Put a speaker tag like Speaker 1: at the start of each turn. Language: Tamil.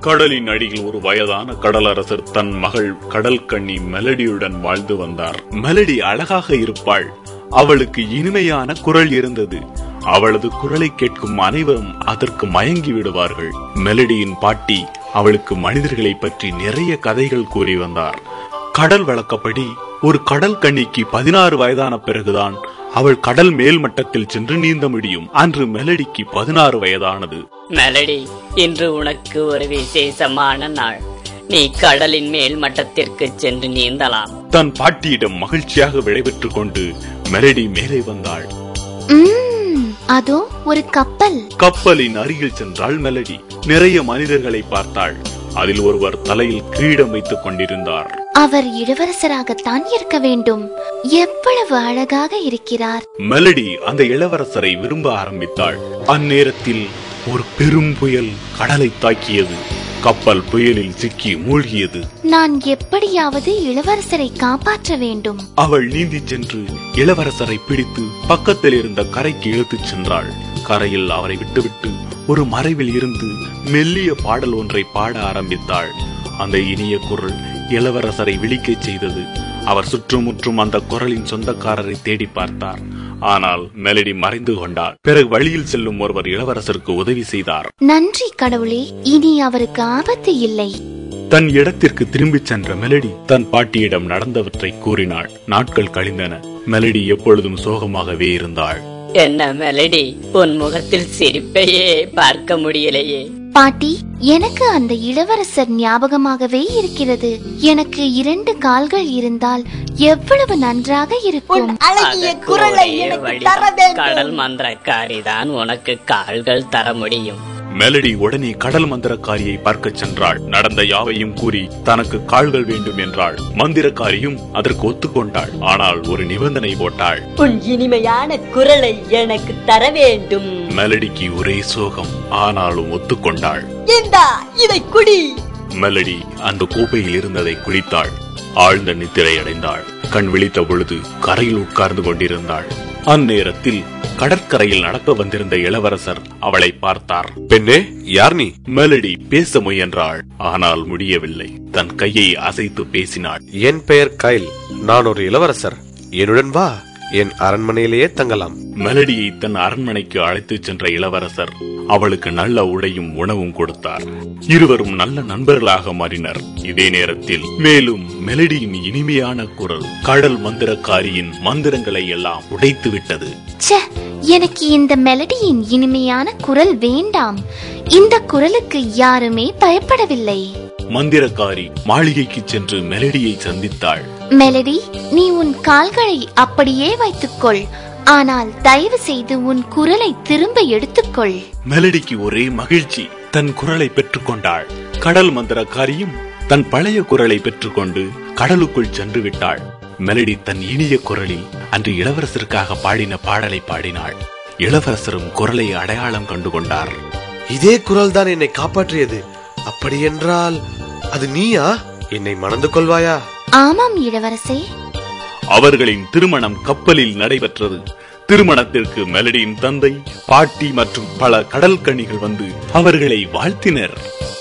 Speaker 1: கடலின் அடியில் ஒரு வயதான கடலரசர் தன் மகள் கடல் கன்னி மெலடியுடன் வாழ்ந்து வந்தார். மெலடி அழகாக இருப்பாள். அவளுக்கு இனிமையான குரல் இருந்தது. அவளது குரலை கேட்கும் அனைவரும் அதற்கு மயங்கி விடுவார்கள். மெலடியின் பாட்டி அவளுக்கு மனிதர்களை பற்றி நிறைய கதைகள் கூறி வந்தார். கடல் வழக்கப்படி ஒரு கடல் கன்னிக்கு 16 வயதான பிறகுதான் அவள் கடல் மேல் மட்டத்தில் சென்று நீந்த முடியும். அன்று மெலடிக்கு 16 வயதானது.
Speaker 2: மெலடி, இன்று உனக்கு ஒரு விசேஷமான நாள். நீ கடலின் மேல் மட்டத்திற்கு சென்று நீந்தலாம்.
Speaker 1: தன் பாட்டியிடம் மகிழ்ச்சியாக விடைபெற்றுக் கொண்டு மெலடி மேலே வந்தாள்.
Speaker 3: அதோ ஒரு கப்பல்.
Speaker 1: கப்பலின் அருகில் சென்றாள் மெலடி. நிறைய மனிதர்களை பார்த்தாள். அதில் ஒருவர் தலையில் கிரீடம் வைத்துக் கொண்டிருந்தார்.
Speaker 3: அவர் இளவரசராகத்தான் இருக்க வேண்டும். எவ்வளவு அழகாக இருக்கிறார்.
Speaker 1: மெலடி அந்த இளவரசரை விரும்ப ஆரம்பித்தாள். அந்நேரத்தில் ஒரு பெரும் புயல் கடலை தாக்கியது. கப்பல் புயலில் சிக்கி மூழ்கியது.
Speaker 3: நான் எப்படியாவது இளவரசரை காப்பாற்ற வேண்டும்.
Speaker 1: அவள் நீந்தி சென்று இளவரசரை பிடித்து பக்கத்தில் இருந்த கரைக்கு இழுத்துச் சென்றாள். கரையில் அவரை விட்டுவிட்டு ஒரு மறைவில் இருந்து மெல்லிய பாடல் ஒன்றை பாட ஆரம்பித்தாள். அந்த இனிய குரல் இளவரசரை விழிக்கச் செய்தது. அவர் சுற்றுமுற்றும் அந்த குரலின் சொந்தக்காரரை தேடி பார்த்தார். ஆனால் மெலடி மறைந்து கொண்டார். பிறகு வழியில் செல்லும் ஒருவர் இளவரசருக்கு உதவி செய்தார்.
Speaker 3: நன்றி கடவுளே, இனி அவருக்கு ஆபத்து இல்லை.
Speaker 1: தன் இடத்திற்கு திரும்பிச் சென்ற மெலடி தன் பாட்டியிடம் நடந்தவற்றை கூறினாள். நாட்கள் கழிந்தன. மெலடி எப்பொழுதும் சோகமாகவே இருந்தாள்.
Speaker 2: என்ன மெலடி, உன் முகத்தில் சிரிப்பையே பார்க்க முடியலையே.
Speaker 3: பாட்டி, எனக்கு அந்த இளவரசர் ஞாபகமாகவே இருக்கிறது. எனக்கு 2 கால்கள் இருந்தால் எவ்வளவு நன்றாக இருக்கும்.
Speaker 2: கடல் மந்திரக்காரிதான் உனக்கு கால்கள் தர முடியும்.
Speaker 1: மெலடி உடனே கடல் மந்திரக்காரியை பார்க்க சென்றாள். நடந்த யாவையும் கூறி தனக்கு கால்கள் வேண்டும் என்றாள். மந்திரக்காரியும் அதற்கு ஒத்துக்கொண்டாள். ஆனால் ஒரு நிபந்தனை போட்டாள்.
Speaker 4: உன் இனிமையான குரலை எனக்கு தர வேண்டும்.
Speaker 1: மெலடிக்கு ஒரே சோகம். ஆனாலும் ஒத்துக்கொண்டாள்.
Speaker 4: இதை குடி.
Speaker 1: மெலடி அந்த கோப்பையில் இருந்ததை குடித்தாள். ஆழ்ந்த நித்திரை அடைந்தாள். கண் விழித்த பொழுது கரையில் உட்கார்ந்து கொண்டிருந்தாள். அந்நேரத்தில் கடற்கரையில் நடக்க வந்திருந்த இளவரசர் அவளை பார்த்தார்.
Speaker 5: பெண்ணே, யார் நீ?
Speaker 1: மெலடி பேச முயன்றாள். ஆனால் முடியவில்லை. தன் கையை அசைத்து பேசினாள்.
Speaker 5: என் பெயர் கைல். நான் ஒரு இளவரசர். என்னுடன் வா, என் அரண்மனையிலேயே தங்கலாம்.
Speaker 1: மெலடியை தன் அரண்மனைக்கு அழைத்துச் சென்ற இளவரசர் அவளுக்கு நல்ல உடையும் உணவும் கொடுத்தார். இருவரும் நல்ல நண்பர்களாக மாறினர். இதே நேரத்தில் மேலும் மெலடியின் இனிமையான குரல் கடல் மந்திரக்காரியின் மந்திரங்களை எல்லாம் உடைத்து விட்டது.
Speaker 3: எனக்கு இந்த மெலடியின் இனிமையான குரல் வேண்டாம். இந்த குரலுக்கு யாருமே பயப்படவில்லை.
Speaker 1: மந்திரக்காரி மாளிகைக்கு சென்று மெலடியை சந்தித்தாள்.
Speaker 3: மெலடி, நீ உன் கால்களை அப்படியே வைத்துக்கொள். ஆனால் தயவு செய்து உன் குரலை திரும்ப எடுத்துக்கொள்.
Speaker 1: மெலடிக்கு ஒரே மகிழ்ச்சி. தன் குரலை பெற்றுக் கொண்டாள். கடல் மந்திரக்காரியும் தன் பழைய குரலை பெற்றுக்கொண்டு கடலுக்குள் சென்று விட்டாள். மெலடி தன் இனிய குரலில் அன்று இளவரசருக்காக பாடின பாடலை பாடினாள். இளவரசரும் குரலை அடையாளம் கண்டு கொண்டார்.
Speaker 5: இதே குரல் தான் என்னை காப்பாற்றியது. அப்படி என்றால் அது நீயா? என்னை மணந்து கொள்வாயா?
Speaker 3: ஆமாம் இளவரசே.
Speaker 1: அவர்களின் திருமணம் கப்பலில் நடைபெற்றது. திருமணத்திற்கு மெலடியின் தந்தை, பாட்டி மற்றும் பல கடல் கன்னிகள் வந்து அவர்களை வாழ்த்தினர்.